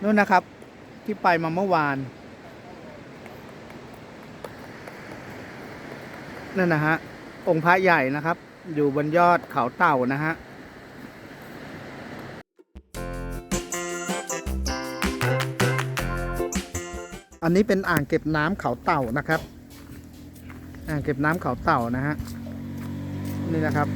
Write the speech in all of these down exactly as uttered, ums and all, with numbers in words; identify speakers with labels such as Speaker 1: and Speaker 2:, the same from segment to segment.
Speaker 1: นู่นนะครับที่ไปมาเมื่อวานนั่นนะฮะองค์พระใหญ่นะครับอยู่บนยอดเขาเต่านะฮะอันนี้เป็นอ่างเก็บน้ำเขาเต่านะครับอ่างเก็บน้ำเขาเต่านะฮะนี่นะครับ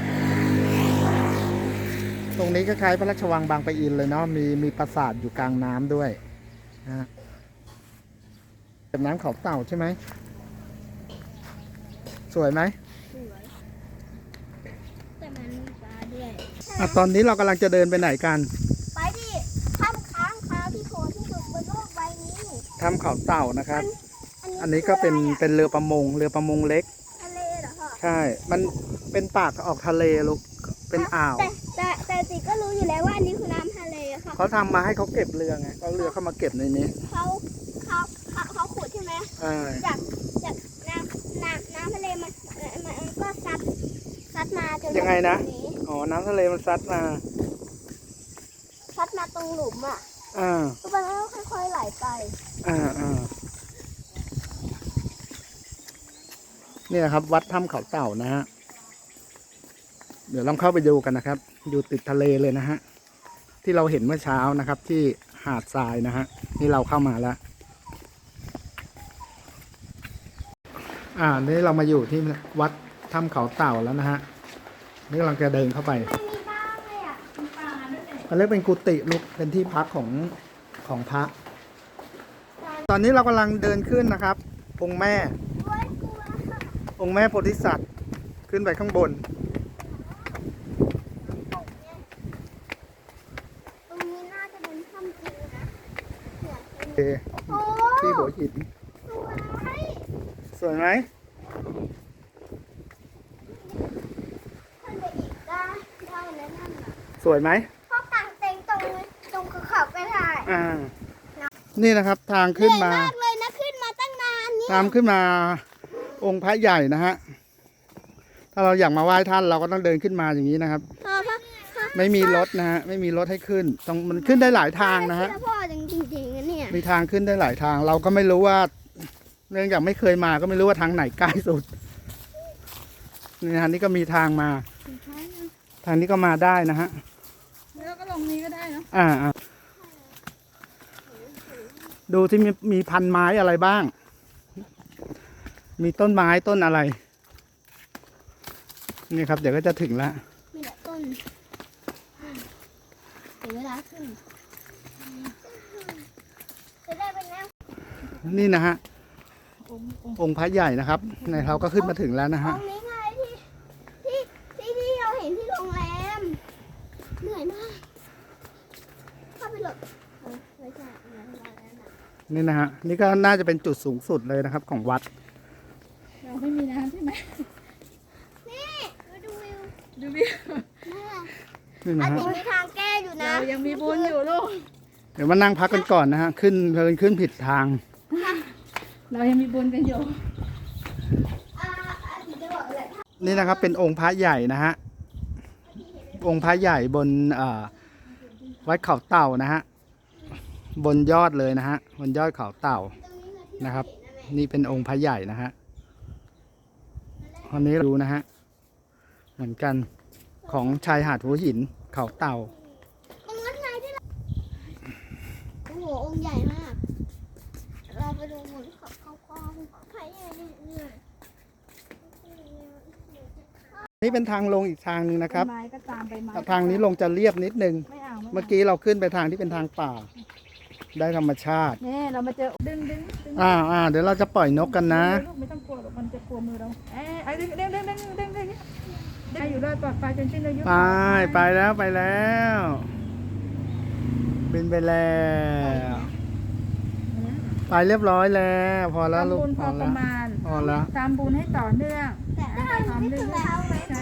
Speaker 1: ตรงนี้ก็คล้ายพระราชวังบางปะอินเลยเนาะมีมีปราสาทอยู่กลางน้ำด้วยนะฮะเก็บน้ำเขาเต่าใช่ไหมสวยไหม
Speaker 2: สวยแต่มันมีปลาด้วย
Speaker 1: อ่ะตอนนี้เรากำลังจะเดินไปไหนกัน
Speaker 2: ไปที่ถ้ำค้างคาวที่โผล่ที่สุดบนโลกใบนี้
Speaker 1: ถ้ำเขาเต่านะครับ
Speaker 2: อัน
Speaker 1: อันนี้ก็เป็นเป็นเรือประมงเรือประมงเล็ก
Speaker 2: ทะเลเหรอคะ
Speaker 1: ใช่มันเป็นปากออกทะเลลูกเป็นอ่าว
Speaker 2: แต่แต่แต่ติก็รู้อยู่แล้วว่าอันนี้คือน้ำทะเลค่ะ
Speaker 1: เขาทำมาให้เขาเก็บเรือไงเอาเรือเข้ามาเก็บในนี้
Speaker 2: เขาเขาเขาเขาขุดใช่ไหม
Speaker 1: อ่า
Speaker 2: จากจากน้ำน้ำน้ำทะเลมันมันก็ซัดซัดมาจน
Speaker 1: ยังไงนะอ๋อน้ำทะเลมันซัดมา
Speaker 2: ซัดมาตรงหลุมอ่ะ
Speaker 1: อ่า
Speaker 2: มันก็ค่อยๆไหลไป
Speaker 1: อ่าอ่านี่นะครับวัดถ้ำเขาเต่านะฮะเดี๋ยวลองเข้าไปดูกันนะครับอยู่ติดทะเลเลยนะฮะที่เราเห็นเมื่อเช้านะครับที่หาดทรายนะฮะนี่เราเข้ามาแล้วอ่านี่เรามาอยู่ที่วัดถ้ำเขาเต่าแล้วนะฮะนี่กำลังจะเดินเข้าไป
Speaker 2: ไม่มีบ้างเลยอ่ะปลาด้วยเนี่ย
Speaker 1: มันเรียกเป็นกุฏิลูกเป็นที่พักของของพระตอนนี้เรากำลังเดินขึ้นนะครับองค์แม่องค์แม่โพธิสัตว์ขึ้นไปข้างบน
Speaker 2: ตรงนี้น่าจะเป็นถ้ำจริงนะ
Speaker 1: ที่หัวหินสวยไหมสวยไหม
Speaker 2: พ่อกางเต็งตรงตรงเขาไปถ่าย
Speaker 1: อ่านี่นะครับทางขึ้นมา
Speaker 2: เหนื่อยมากเลยนะขึ้นมาตั้งนานนี่
Speaker 1: ตามขึ้นมาองค์พระใหญ่นะฮะถ้าเราอยากมาไหว้ท่านเราก็ต้องเดินขึ้นมาอย่างนี้นะครับไม่มีรถนะฮะไม่มีรถให้ขึ้นต้องมันขึ้นได้หลายทางนะฮะ
Speaker 2: พ่อจริงๆเนี่ย
Speaker 1: มีทางขึ้นได้หลายทางเราก็ไม่รู้ว่าเนื่องจากไม่เคยมาก็ไม่รู้ว่าทางไหนใกล้สุดนี่ฮะนี่ก็มีทางมาทางนี้ก็มาได้นะฮะ
Speaker 2: แล้วก็ลงนี้ก็ได้เนาะ
Speaker 1: อ่าดูที่มีมีพันไม้อะไรบ้างมีต้นไม้ต้นอะไรนี่ครับเดี๋ยวก็จะถึงแล้ว
Speaker 2: มีแต่ต้นถึงเวลาขึ้นจะได้เป็นแล้ว
Speaker 1: นี่นะฮะองค์พระใหญ่นะครับในเราก็ขึ้นมาถึงแล้วนะฮะ
Speaker 2: องค์นี้ไงที่ที่ที่ที่เราเห็นที่โรงแรมเหนื่อยมากเข้าไปหลบไม่ใช่
Speaker 1: นี่นะฮะนี่ก็น่าจะเป็นจุดสูงสุดเลยนะครับของวัด
Speaker 2: เราไม่มีน้ำใช่ไหมนี่มาดูวิว
Speaker 3: ดูวิว
Speaker 1: นี่นะฮะ
Speaker 2: มีทางแก้อยู่นะ
Speaker 3: เรายังมีบุญอยู่ลูก
Speaker 1: เดี๋ยวมานั่งพักกันก่อนนะฮะขึ้นเพลินขึ้นผิดทาง
Speaker 3: เรายังมีบุญกันอยู่
Speaker 1: นี่นะครับเป็นองค์พระใหญ่นะฮะองค์พระใหญ่บนวัดเขาเต่านะฮะบนยอดเลยนะฮะบนยอดเขาเต่านะครับนี่เป็นองค์พระใหญ่นะฮะวันนี้ดูนะฮะเหมือนกันของชายหาดหัวหินเขาเต่า
Speaker 2: ตรงนั้นไงที่เราโอ้โหองค์ใหญ่มากเราไปดูหมุนเขาเขากองพระใหญ่เนี่ย
Speaker 1: นี่เป็นทางลงอีกทางนึงนะครับ
Speaker 3: ไม้ก็ตามไปไม้
Speaker 1: ทางนี้ลงจะเรียบนิดนึงเมื่อกี้เราขึ้นไปทางที่เป็นทางป่าได้ธรรมชาติ
Speaker 3: นี่เรามาเจอดึงดึง
Speaker 1: อ่าอ่าเดี๋ยวเราจะปล่อยนกกันนะ
Speaker 3: ไม่ต้องกลัวหรอกมันจะกลัวมือเราเอ้ไอ้ดึงดึงดึงดึงดึงดึงได้อยู่รอดปลอดภัยจนสิ้นอายุ
Speaker 1: ไปไปแล้วไปแล้วบินไปแล้วไปเรียบร้อยแล้วพอแล้วลูก
Speaker 3: พอประมาณ
Speaker 1: พอแล้ว
Speaker 3: ตามบุญให้ต่อเนื่อง
Speaker 2: แต่ถ้าเราไม่ถึงแล้วไหม